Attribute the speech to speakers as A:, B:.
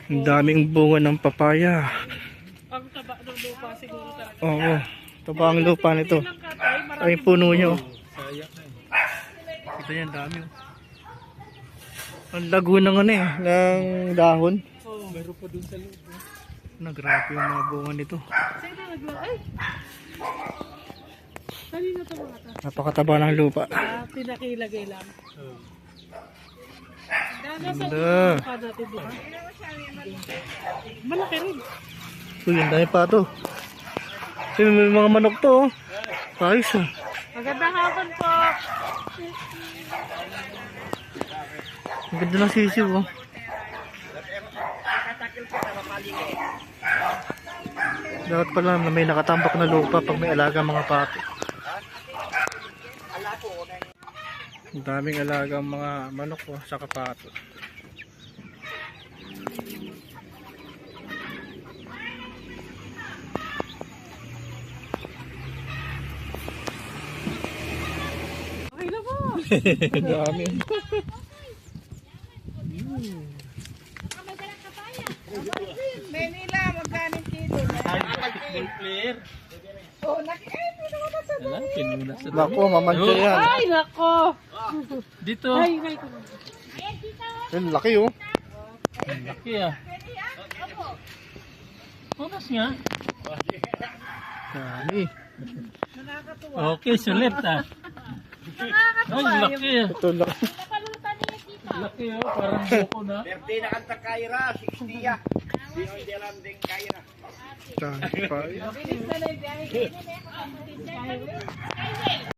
A: Ang daming bunga ng papaya.
B: Ang taba ng lupa siguro talaga.
A: Oo, taba ang lupa nito. Ay, puno nyo.
C: Sayang na eh.
A: Ito yan, dami. Ang lago ng ano eh, ng dahon.
B: Oo.
C: Meron pa dun sa loob.
A: Nagrabe yung mga bunga nito.
B: Sino nagla? Ay! Kanina ito mga ta?
A: Napakataba ng lupa.
B: Pinakilagay lang.
C: Oh.
B: Nasa
A: Ganda.
B: lupa natin diba? Malaki rin.
A: Uy, ang dami pa ito. May mga manok to. Ayos ah.
B: Magandang hapon po.
A: Ang ganda ng sisiw oh. Dapat pala na may nakatambak na lupa pag may alaga mga pato. Ang daming alaga mga manok oh, sa pato.
B: Okay na po.
A: Ang dami.
B: Manila, magkano kilo?
C: Full player.
B: Oh, pinuna sa
C: Wala, pinuna sa
A: Nako, mamantya yan.
B: Ay, nako.
C: Dito.
B: Ay, ay,
A: Ang laki oh.
C: Ang laki ah. Oras nga.
A: Dami.
C: Okay, sulit ah. Ay, laki ah.
A: Ito laki.
C: Laki oh, parang buko na.
D: Birthday na kanta Kaira, 60 ya. Sino hindi alam din Kaira?
A: Dami pa.
B: bilis na lang.